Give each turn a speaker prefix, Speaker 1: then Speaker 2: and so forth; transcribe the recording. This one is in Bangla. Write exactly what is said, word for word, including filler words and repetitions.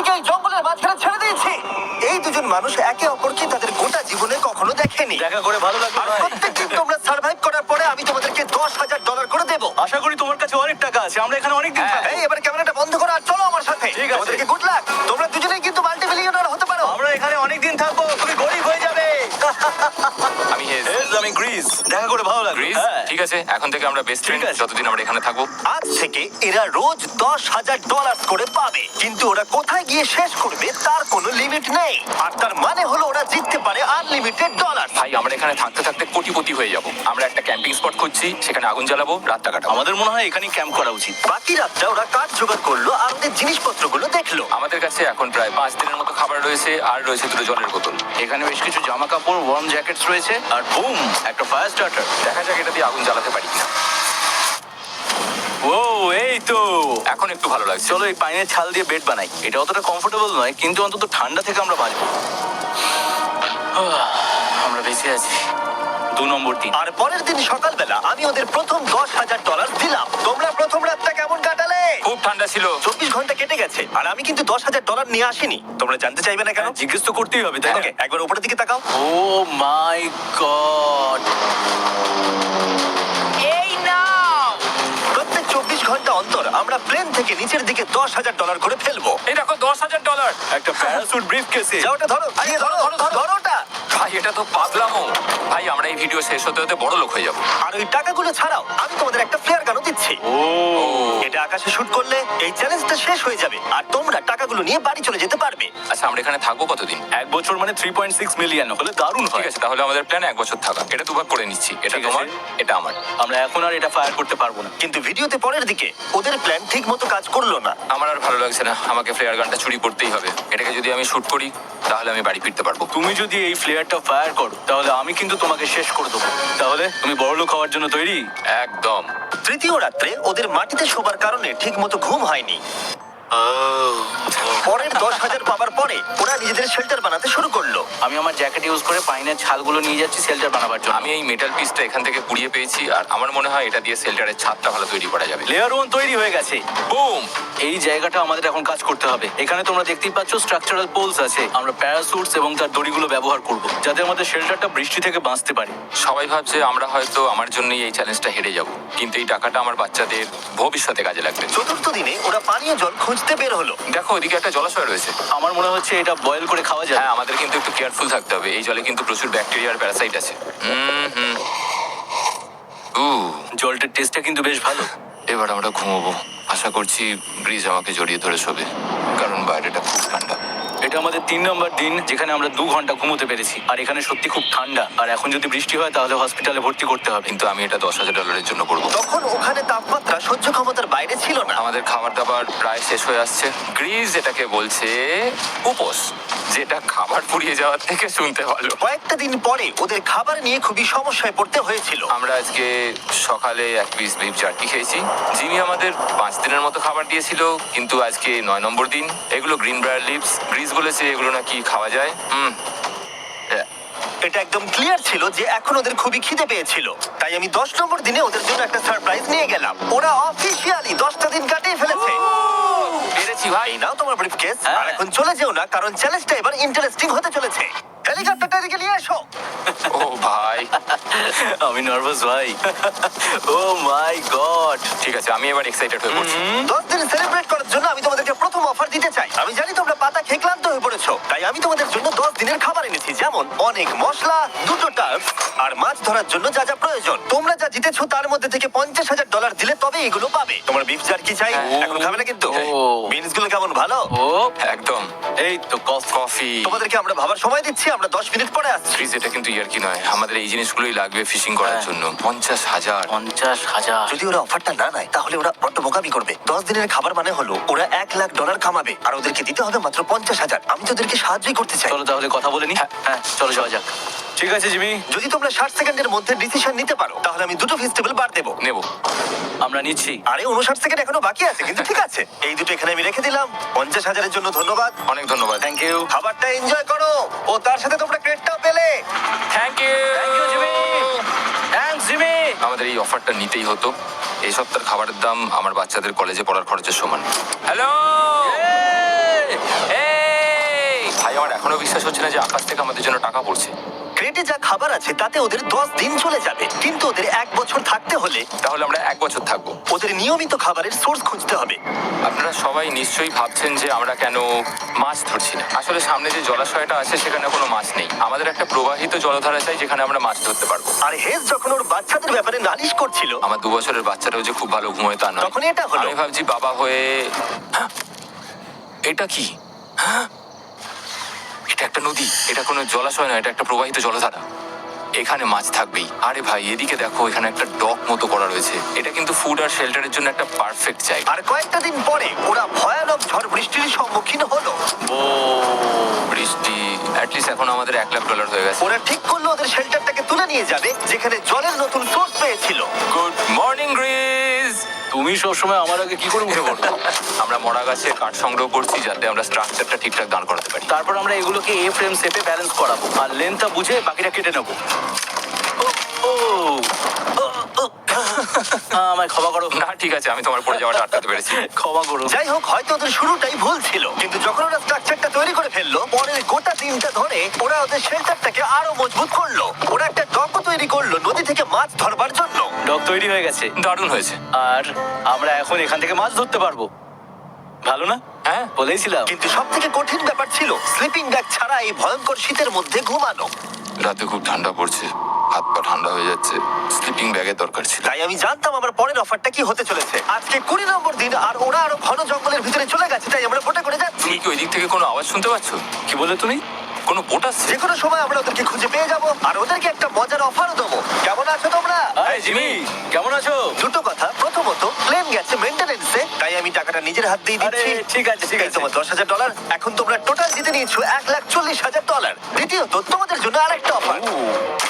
Speaker 1: প্লেনটিকে এই জঙ্গলের মাঝখানে ছেড়ে দিয়েছি। এই দুজন মানুষ একে অপরকে তাদের গোটা জীবনে কখনো দেখেনি।
Speaker 2: দেখা করে ভালো লাগলো
Speaker 1: আর
Speaker 2: ভাই।
Speaker 1: প্রত্যেকদিন তোমরা সার্ভাইভ করার পরে আমি তোমাদেরকে দশ হাজার ডলার করে দেবো।
Speaker 2: আশা করি তোমার কাছে অনেক টাকা আছে, আমরা এখানে অনেক দিন থাকবো।
Speaker 1: এই এবার ক্যামেরাটা বন্ধ করো আর চলো আমার সাথে।
Speaker 2: ঠিক আছে।
Speaker 1: তোমাদেরকে গুড লাক। তোমরা দুজনেই কিন্তু মাল্টি মিলিয়নার হতে পারো।
Speaker 2: আমরা এখানে অনেক দিন থাকবো, তুমি গরিব হয়ে যাবে।
Speaker 3: আমি হেজ।
Speaker 2: হেজ, আমি গ্রিস। দেখা করে ভালো লাগলো।
Speaker 3: গ্রিস
Speaker 2: হ্যাঁ।
Speaker 3: ঠিক আছে, এখন থেকে আমরা বেস্ট ফ্রেন্ড
Speaker 2: ঠিক আছে।
Speaker 3: যতদিন আমরা এখানে থাকবো।
Speaker 1: আজ থেকে এরা রোজ দশ হাজার ডলার করে পাবে, কিন্তু ওরা কোথায় গিয়ে শেষ করবে তার কোনো লিমিট নেই। আর তার মানে হলো ওরা জিততে পারে আনলিমিটেড ডলার।
Speaker 3: ভাই আমরা এখানে থাকতে থাকতে কোটিপতি হয়ে যাব। আমরা একটা ক্যাম্পিং স্পট খুঁজছি, সেখানে আগুন জ্বালাবো, রাতটা কাটাবো।
Speaker 2: আমাদের মনে হয় এখানেই ক্যাম্প করা উচিত।
Speaker 1: বাকি রাতটা ওরা কাঠ জোগাড় করলো আর ওদের জিনিসপত্রগুলো দেখলো।
Speaker 3: আমাদের কাছে এখন প্রায় পাঁচ দিনের মতো খাবার রয়েছে, আর রয়েছে দুটো জলের বোতল।
Speaker 2: এখানে বেশ কিছু জামা কাপড়, ওয়ার্ম জ্যাকেটস রয়েছে, আর বুম, একটা ফায়ার স্টার্টার।
Speaker 3: দেখা যাক এটা দিয়ে আগুন জ্বালাতে পারি কিনা।
Speaker 2: ও, এই তো।
Speaker 3: এখন একটু ভালো লাগছে।
Speaker 2: চলো এই পাইনের ছাল দিয়ে বেড বানাই। এটা অতটা কমফোর্টেবল নয়, কিন্তু অন্তত ঠান্ডা থেকে আমরা বাঁচবো। আমরা বেঁচে আছি। দু নম্বর দিন।
Speaker 1: আর পরের দিন সকালবেলা আমি ওদের প্রথম দশ হাজার ডলার দিলাম। তোমরা প্রথম রাতটা কেমন কাটালে?
Speaker 3: খুব ঠান্ডা ছিল।
Speaker 1: চব্বিশ ঘন্টা কেটে গেছে আর আমি কিন্তু দশ হাজার ডলার নিয়ে আসিনি। তোমরা জানতে চাইবে না কেন?
Speaker 2: জিজ্ঞেস তো করতেই হবে, তাই না?
Speaker 1: ওকে, একবার উপরের দিকে তাকাও।
Speaker 2: Oh my god.
Speaker 4: এই নাও।
Speaker 1: প্রত্যেক চব্বিশ ঘন্টা অন্তর আমরা প্লেন থেকে নিচের দিকে দশ হাজার ডলার করে ফেলবো।
Speaker 3: এই দেখো দশ হাজার ডলার।
Speaker 2: একটা প্যারাসুট ব্রিফ কেসে।
Speaker 1: যাও ওটা ধরো, গিয়ে ধরো,
Speaker 3: ধরো, ধরো।
Speaker 1: ধরো ওটা।
Speaker 3: ভাই এটা তো পাগলামো। ভাই আমরা এই ভিডিও শেষ হতে হতে বড় লোক হয়ে যাবো।
Speaker 1: আর ওই টাকাগুলো ছাড়াও আমি তোমাদের একটা ফ্লেয়ার গানও দিচ্ছি।
Speaker 2: ও,
Speaker 1: এটা আকাশে শুট করলে এই চ্যালেঞ্জটা শেষ হয়ে যাবে আর তোমরা টাকাগুলো নিয়ে বাড়ি চলে যেতে পারবে।
Speaker 3: আচ্ছা আমরা এখানে থাকবো কতদিন?
Speaker 2: এক বছর মানে থ্রি পয়েন্ট সিক্স মিলিয়ন হলে দারুণ
Speaker 3: ঠিক
Speaker 2: হয়।
Speaker 3: আছে, তাহলে আমাদের প্ল্যান এক বছর থাকা। এটা দুভাগ করে নিচ্ছি, এটা
Speaker 2: ঠিক আছে।
Speaker 3: তোমার, এটা আমার।
Speaker 2: আমরা এখন আর এটা ফায়ার করতে পারবো না।
Speaker 1: কিন্তু ভিডিওতে পরের দিকে ওদের প্ল্যান ঠিক মতো কাজ করলো না।
Speaker 3: আমার আর ভালো লাগছে না, আমাকে ফ্লেয়ার গানটা চুরি করতেই হবে। এটাকে যদি আমি শুট করি তাহলে আমি বাড়ি ফিরতে পারবো।
Speaker 2: তুমি যদি এই ফ্লেয়ারটা ফায়ার করো তাহলে আমি কিন্তু তোমাকে শেষ করে দেবো। তাহলে তুমি বড়লোক হওয়ার জন্য তৈরি?
Speaker 3: একদম।
Speaker 1: তৃতীয় রাত্রে ওদের মাটিতে শোবার কারণে ঠিক মতো ঘুম হয়নি। পরের দশ হাজার পাবার পরে ওরা নিজেদের শেল্টার বানাতে শুরু করলো।
Speaker 2: আমি আমার জ্যাকেট ইউজ করে পাইনের ছালগুলো নিয়ে যাচ্ছি শেল্টার বানাবার জন্য।
Speaker 3: আমি এই মেটাল পিসটা এখান থেকে কুড়িয়ে পেয়েছি, আর আমার মনে হয় এটা দিয়ে শেল্টারের ছাদটা ভালো তৈরি করা যাবে।
Speaker 2: লেয়ার ওয়ান তৈরি হয়ে গেছে।
Speaker 3: বুম।
Speaker 2: এই জায়গাটা আমাদের এখন কাজ করতে হবে। এখানে তোমরা দেখতেই পাচ্ছ স্ট্রাকচারাল পোলস আছে। আমরা প্যারাসুটস এবং তার দড়িগুলো ব্যবহার করব, যাতে আমাদের শেল্টারটা বৃষ্টি থেকে বাঁচতে পারে।
Speaker 3: সবাই ভাবছে আমরা হয়তো আমার জন্যই এই চ্যালেঞ্জটা হেরে যাব, কিন্তু এই টাকাটা আমার বাচ্চাদের ভবিষ্যতে কাজে লাগবে।
Speaker 1: চতুর্থ দিনে ওরা পানীয় জল খুঁজতে বের হলো।
Speaker 3: দেখো ওইদিকে একটা জলাশয় রয়েছে।
Speaker 2: আমার মনে হচ্ছে এটা বয়েল করে খাওয়া যায়।
Speaker 3: হ্যাঁ, আমাদের কিন্তু একটু কেয়ারফুল থাকতে হবে। এই জলে কিন্তু প্রচুর ব্যাকটেরিয়া আর প্যারাসাইট আছে। হুম হুম। উ
Speaker 2: জলটার টেস্টটা কিন্তু বেশ ভালো।
Speaker 3: এবার আমরা ঘুমোবো। আশা করছি ব্রিজ আমাকে জড়িয়ে ধরে শোবে, কারণ বাইরেটা খুব ঠান্ডা।
Speaker 2: এটা আমাদের তিন নম্বর দিন যেখানে আমরা দু ঘন্টা ঘুমোতে পেরেছি, আর এখানে সত্যি খুব ঠান্ডা। আর এখন যদি বৃষ্টি হয় তাহলে হসপিটালে ভর্তি করতে হবে।
Speaker 3: কিন্তু আমি এটা দশ হাজার ডলারের জন্য করবো।
Speaker 1: তখন ওখানে তাপমাত্রা সহ্য ক্ষমতার বাইরে ছিল না।
Speaker 3: আমাদের খাবার দাবার প্রায় শেষ হয়ে আসছে। গ্রিজ এটাকে বলছে উপোস, যেটা খাবার পুড়িয়ে যাওয়ার থেকে শুনতে ভালো।
Speaker 1: কয়েকটা দিন পরে ওদের খাবার নিয়ে খুবই সমস্যায় পড়তে হয়েছিল।
Speaker 3: আমরা আজকে সকালে এক পিস বিফ জার্কি খেয়েছি। জিমি আমাদের পাঁচ দিনের মতো খাবার দিয়েছিল, কিন্তু আজকে নয় নম্বর দিন। এগুলো গ্রিন ব্রায়ার লিভস। গ্রিজ বলেছে এগুলো নাকি খাওয়া যায়। হুম
Speaker 1: এটা একদম ক্লিয়ার ছিল যে এখন ওদের খুবই খিদে পেয়েছিল। তাই আমি দশ নম্বর দিনে ওদের জন্য একটা সারপ্রাইজ নিয়ে গেলাম। ওরা অফিসিয়ালি দশটা দিন কাটিয়ে ফেলেছে।
Speaker 3: পেরেছি ভাই।
Speaker 1: এই নাও তোমার ব্রিফকেস।
Speaker 2: হ্যাঁ।
Speaker 1: আর এখন চলে যেও না, কারণ চ্যালেঞ্জটা এবার ইন্টারেস্টিং হতে চলেছে। হেলিকপ্টারটা এদিকে নিয়ে এসো।
Speaker 3: ও ভাই,
Speaker 2: আমি নার্ভাস ভাই। Oh my god.
Speaker 3: ঠিক আছে আমি এবার এক্সাইটেড হয়ে পড়ছি।
Speaker 1: দশ দিন সেলিব্রেট করার জন্য আমি তোমাদেরকে প্রথম অফার দিতে চাই। আমি জানি তোমরা পাতা খেয়ে ক্লান্ত হয়ে পড়েছো, তাই আমি তোমাদের জন্য দশ দিনের খাবার এনেছি, যেমন অনেক মশলা, দুটো টার্ফ আর মাছ ধরার জন্য যা যা প্রয়োজন। তোমরা যা জিতেছো তার মধ্যে থেকে পঞ্চাশ হাজার ডলার দিলে তবে এগুলো পাবে। তোমার বিফ জার্কি চাই? এখন খাবে না কিন্তু?
Speaker 2: ও।
Speaker 1: বিনস গুলো কেমন ভালো?
Speaker 2: ও
Speaker 3: একদম।
Speaker 2: এই তো কফি।
Speaker 3: কফি।
Speaker 1: তোমাদেরকে আমরা ভাবার সময় দিচ্ছি, আমরা দশ মিনিট পরে আসছি।
Speaker 3: ফ্রিজ এটা কিন্তু ইয়ার কি নয়, আমাদের এই জিনিসগুলোই লাগবে ফিশিং করার
Speaker 2: হ্যাঁ।
Speaker 3: জন্য। পঞ্চাশ হাজার।
Speaker 2: পঞ্চাশ হাজার।
Speaker 1: যদি ওরা অফারটা না নেয় তাহলে ওরা বড্ড বোকামি করবে। দশ দিনের খাবার মানে হলো ওরা এক লাখ ডলার কামাবে, আর ওদেরকে দিতে হবে মাত্র পঞ্চাশ হাজার। আমি তো ওদেরকে সাহায্যই করতে চাই।
Speaker 2: চলো তাহলে কথা বলে নি। হ্যাঁ চলো যাওয়া যাক। ঠিক আছে জিমি,
Speaker 1: যদি তোমরা ষাট সেকেন্ডের মধ্যে ডিসিশন নিতে পারো তাহলে আমি দুটো ভেজিটেবল বার দেবো।
Speaker 3: নেব।
Speaker 2: আমরা নিচ্ছি।
Speaker 1: আরে উনষাট সেকেন্ড এখনো বাকি আছে, কিন্তু ঠিক আছে। এই দুটো এখানে আমি রেখে দিলাম। পঞ্চাশ হাজারের জন্য ধন্যবাদ।
Speaker 3: অনেক ধন্যবাদ।
Speaker 2: Thank you.
Speaker 1: খাবারটা এনজয় করো, ও তার সাথে তোমরা ক্রেডটাও পেলে।
Speaker 3: Thank you.
Speaker 2: Thank you Jimmy. Thanks Jimmy.
Speaker 3: আমাদের এই অফারটা নিতেই হতো। এই সপ্তাহের খাবারের দাম আমার বাচ্চাদের কলেজে পড়ার খরচের সমান। হ্যালো। আমার এখনো বিশ্বাস হচ্ছে না যে আকাশ থেকে আমাদের জন্য টাকা পড়ছে।
Speaker 1: ক্রেটে যা খাবার আছে তাতে ওদের দশ দিন চলে যাবে, কিন্তু ওদের এক বছর থাকতে হলে
Speaker 3: তাহলে আমরা এক বছর থাকবো।
Speaker 1: ওদের নিয়মিত খাবারের সোর্স খুঁজতে হবে।
Speaker 3: আপনারা সবাই নিশ্চয়ই ভাবছেন যে আমরা কেন মাছ ধরছি না। আসলে সামনে যে জলাশয়টা আছে সেখানে কোনো মাছ নেই। আমাদের একটা প্রবাহিত জলধারা চাই যেখানে আমরা মাছ ধরতে পারবো।
Speaker 1: আর হেজ যখন ওর বাচ্চাদের ব্যাপারে নালিশ করছিল,
Speaker 3: আমার দু বছরের বাচ্চাটাও যে খুব ভালো ঘুমোয় তা নয়।
Speaker 1: তখন এটা হলো।
Speaker 3: আমি ভাবছি বাবা হয়ে হ্যাঁ, এটা কি হ্যাঁ, এটা একটা নদী, এটা কোনো জলাশয় নয়, এটা একটা প্রবাহিত জলধারা। এখানে মাছ থাকবেই। আরে ভাই এদিকে দেখো, এখানে একটা ডক মতো করা রয়েছে। এটা কিন্তু ফুড আর শেল্টারের জন্য একটা পারফেক্ট জায়গা।
Speaker 1: আর কয়েকটা দিন পরে ওরা ভয়ানক ঝড় বৃষ্টির সম্মুখীন হলো।
Speaker 3: ও বৃষ্টি, অ্যাটলিস্ট এখন আমাদের এক লাখ ডলার হয়ে গেছে।
Speaker 1: ওরা ঠিক করলো ওদের শেল্টারটাকে তুলে নিয়ে যাবে, যেখানে জলের নতুন সোর্স পেয়েছিল।
Speaker 3: Good morning Greece.
Speaker 2: তুমি সবসময় আমার আগে কি করে উঠে পড়ো?
Speaker 3: আমরা মরা গাছে কাঠ সংগ্রহ করছি যাতে আমরা স্ট্রাকচারটা ঠিকঠাক দাঁড় করাতে পারি।
Speaker 2: তারপর আমরা এগুলোকে এ ফ্রেম শেপে ব্যালেন্স করাবো আর লেন্থটা বুঝে বাকিটা কেটে নেবো। ও, ও, ও, ও। আহ, আমায় ক্ষমা করো।
Speaker 3: না ঠিক আছে, আমি তোমার পড়ে যাওয়াটা আটকাতে পেরেছি।
Speaker 2: ক্ষমা করো।
Speaker 1: যাই হোক, হয়তো ওদের শুরুটাই ভুল ছিল, কিন্তু যখন ওরা স্ট্রাকচারটা তৈরি করে ফেললো, পরের গোটা দিনটা ধরে ওরা ওদের শেল্টারটাকে আরো মজবুত করলো। ওরা একটা ডকও তৈরি করলো নদী থেকে মাছ ধরবার জন্য।
Speaker 2: ডক তৈরি হয়ে গেছে
Speaker 3: দারুণ হয়েছে।
Speaker 2: আর আমরা এখন এখান থেকে মাছ ধরতে পারবো। ভালো না?
Speaker 3: হ্যাঁ
Speaker 2: বলেইছিলাম।
Speaker 1: কিন্তু সব থেকে কঠিন ব্যাপার ছিল স্লিপিং ব্যাগ ছাড়া এই ভয়ঙ্কর শীতের মধ্যে ঘুমানো।
Speaker 3: রাতে খুব ঠান্ডা পড়ছে, হাত পা ঠান্ডা হয়ে যাচ্ছে। স্লিপিং ব্যাগের দরকার ছিল।
Speaker 1: তাই আমি জানতাম আমার পরের অফারটা কি হতে চলেছে। আজকে কুড়ি নম্বর দিন, আর ওরা আরো ঘন জঙ্গলের ভিতরে চলে গেছে, তাই আমরা বোটে করে যাচ্ছি।
Speaker 3: তুমি কি ওই দিক থেকে কোনো আওয়াজ শুনতে পাচ্ছ?
Speaker 2: কি বলে তুমি?
Speaker 3: কোনো বোট আসছে?
Speaker 1: যে কোনো সময় আমরা ওদেরকে খুঁজে পেয়ে যাবো, আর ওদেরকে একটা মজার অফারও দেবো। কেমন আছো তোমরা?
Speaker 2: আরে জিমি, কেমন আছো?
Speaker 1: দুটো কথা, প্রথমত প্লেন গেছে মেইনটেনেন্সে, তাই আমি টাকাটা নিজের হাত দিয়ে
Speaker 2: আরে
Speaker 1: দিচ্ছি।
Speaker 2: ঠিক আছে ঠিক
Speaker 1: এই
Speaker 2: আছে।
Speaker 1: তোমার দশ হাজার ডলার। এখন তোমরা টোটাল জিতে নিয়েছো এক লাখ চল্লিশ হাজার ডলার। দ্বিতীয়ত তোমাদের জন্য আরেকটা অফার।